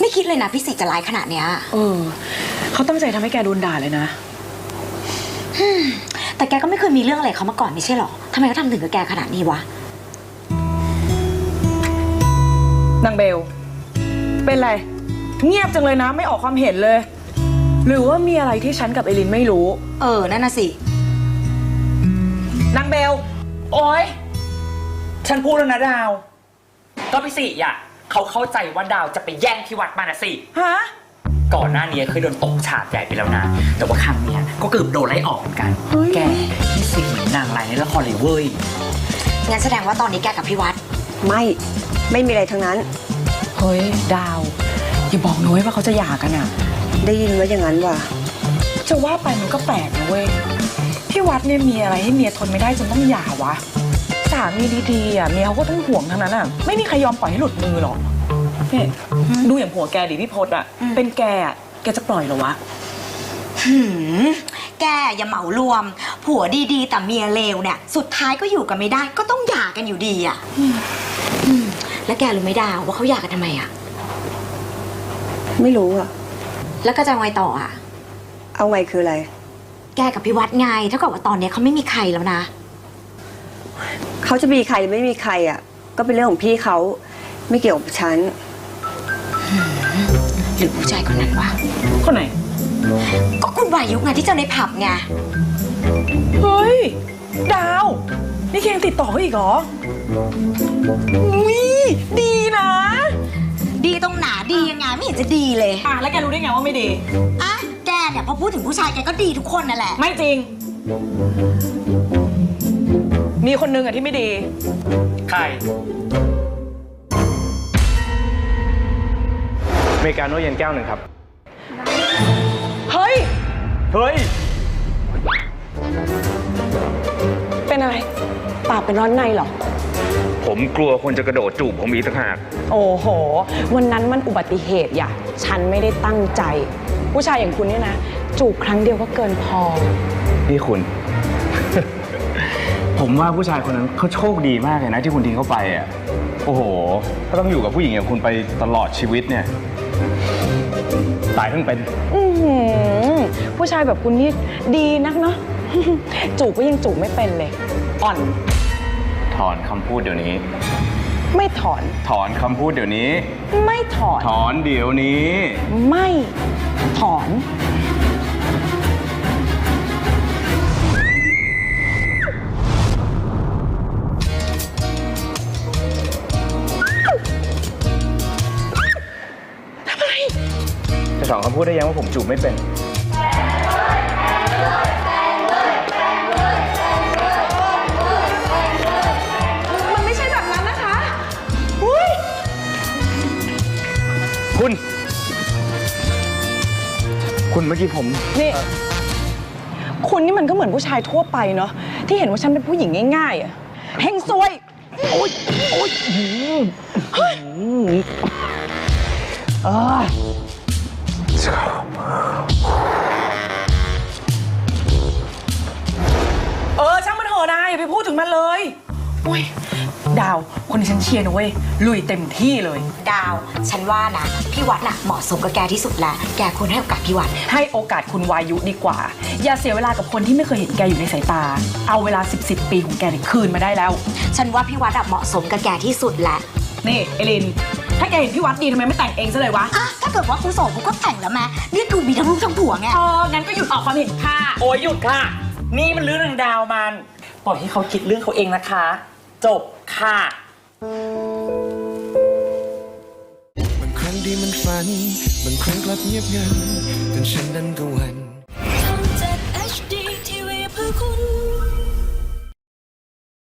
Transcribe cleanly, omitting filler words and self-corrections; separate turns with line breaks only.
ไม่คิดเลยนะพี่สิจะร้ายขนาดเนี้ย
เขาตั้งใจทำให้แกโดนด่าเลยนะ
แต่แกก็ไม่เคยมีเรื่องอะไรเขามาก่อนไม่ใช่หรอทำไมเขาทำถึงกับแกขนาดนี้วะ
นางเบลเป็นไรเงียบจังเลยนะไม่ออกความเห็นเลยหรือว่ามีอะไรที่ฉันกับเอลินไม่รู้
นั่นน่ะสิ
นางเบลโอ๊ย
ฉันพูดแล้วนะดาวก็พี่สิอ่ะเขาเข้าใจว่าดาวจะไปแย่งที่วัดมานะสิ
ฮะ
ก่อนหน้านี้เคยโดนตกฉาบใหญ่ไปแล้วนะแต่ว่าครั้งนี้ก็เกือบโดนไล่ออกเหมือนกันแกพี่สิเหมือนนางร้ายในละครเลยเว้ย
งั้นแสดงว่าตอนนี้แกกับพี่วัด
ไม่มีอะไรทั้งนั้น
เฮ้ยดาวอย่าบอกนุ้ยว่าเขาจะหย่ากันอ่ะ
ได้ยินว่าอย่างนั้นว่ะ
จะว่าไปมันก็แปลกนะเว้ยพี่วัดเนี่ยมีอะไรให้เมียทนไม่ได้จนต้องหย่าวะสามีดีๆอ่ะเมียเขาก็ต้องห่วงทั้งนั้นอ่ะไม่มีใครยอมปล่อยให้หลุดมือหรอกเนี่ยดูอย่างผัวแกดิพี่พศอ่ะเป็นแกอ่ะแกจะปล่อยเหรอวะ
แกอย่าเหมารวมผัวดีๆแต่เมียเลวเนี่ยสุดท้ายก็อยู่กันไม่ได้ก็ต้องหย่ากันอยู่ดีอ่ะแล้วแกรู้ไหมดาวว่าเขาหย่ากันทำไมอ่ะ
ไม่รู้อ่ะ
แล้วก็จะเอาไงต่ออ่ะ
เอาไงคืออะไร
แกกับพี่วัดไงเท่ากับว่าตอนนี้เขาไม่มีใครแล้วนะ
เขาจะมีใครไม่มีใครอ่ะก็เป็นเรื่องของพี่เขาไม่เกี่ยวกับฉัน
หรือผู้ชายคนนั้นวะ
คนไหน
ก็คุณวายุไงที่เจอในผับไง
เฮ้ยดาวนี่แกยังติดต่อเขาอีกเหรอดีนะ
ดีตรงหนาดียังไงไม่เห็นจะดีเลย
แล้วแกรู้ได้ไงว่าไม่ดี
แกเนี่ยพอพูดถึงผู้ชายแกก็ดีทุกคนนั่นแหละ
ไม่จริงมีคนนึงที่ไม่ดี
ใคร
อเมริกาโน่เย็นแก้วหนึ่งครับ
เฮ้ยเป็นอะไรปากเป็นร้อนในเหรอ
ผมกลัวคนจะกระโดดจูบผมอีกต่างหาก
โอ้โหวันนั้นมันอุบัติเหตุอย่าฉันไม่ได้ตั้งใจผู้ชายอย่างคุณเนี่ยนะจูบครั้งเดียวก็เกินพอ
นี่คุณ ผมว่าผู้ชายคนนั้นเขาโชคดีมากเลยนะที่คุณทิ้งเขาไปอ่ะโอ้โหถ้าต้องอยู่กับผู้หญิงอย่างคุณไปตลอดชีวิตเนี่ยตายเพิ่งเป็น
ผู้ชายแบบคุณนี่ดีนักเนาะ จูบก็ยังจูบไม่เป็นเลยอ่อน
ถอนคำพูดเดี๋ยวนี้
ไม่ถอน
ถอนคำพูดเดี๋ยวนี้
ไม่ถอน
ถอนเดี๋ยวนี้
ไม่ถอนทำไม
จะถอนคำพูดได้ยังว่าผมจูบไม่เป็นคุณเมื่อกี้ผม
นี่คุณนี่มันก็เหมือนผู้ชายทั่วไปเนาะที่เห็นว่าฉันเป็นผู้หญิงง่ายๆอ่ะเฮงซวยโอ๊ยเฮ้ยช่างมันเถอะนะอย่าไปพูดถึงมันเลยโอ้ยดาวคนที่ฉันเชียร์นะเว้ยลุยเต็มที่เลย
ดาวฉันว่านะพี่วัดน่ะเหมาะสมกับแกที่สุดแล้วแกควรให้โอกาสพี่วัด
ให้โอกาสคุณวายุดีกว่าอย่าเสียเวลากับคนที่ไม่เคยเห็นแกอยู่ในสายตาเอาเวลา10 ปีของแกคืนมาได้แล้ว
ฉันว่าพี่วัดเหมาะสมกับแกที่สุดแหละ
นี่เอลินถ้าแกเห็นพี่วัดดีทำไมไม่แต่งเองซะเลยวะ
ถ้าเกิดว่าคุณโสดกูก็แต่งแล้วแม่นี่ดูมีทั้งลูกทั้งผัวไง
งั้นก็หยุดออกความเห็นค่ะ
โอ้ยหยุดค่ะนี่มันเรื่องนางดาวมันปล่อยให้เขาคิดเรื่องเขาเองนะคะจบค่ะ
บางครั้งที่มันฝันบางครั้งกลับเงียบงันจนฉันนั้นก็หวั่นทำจาก HD TV เพื่อคุณ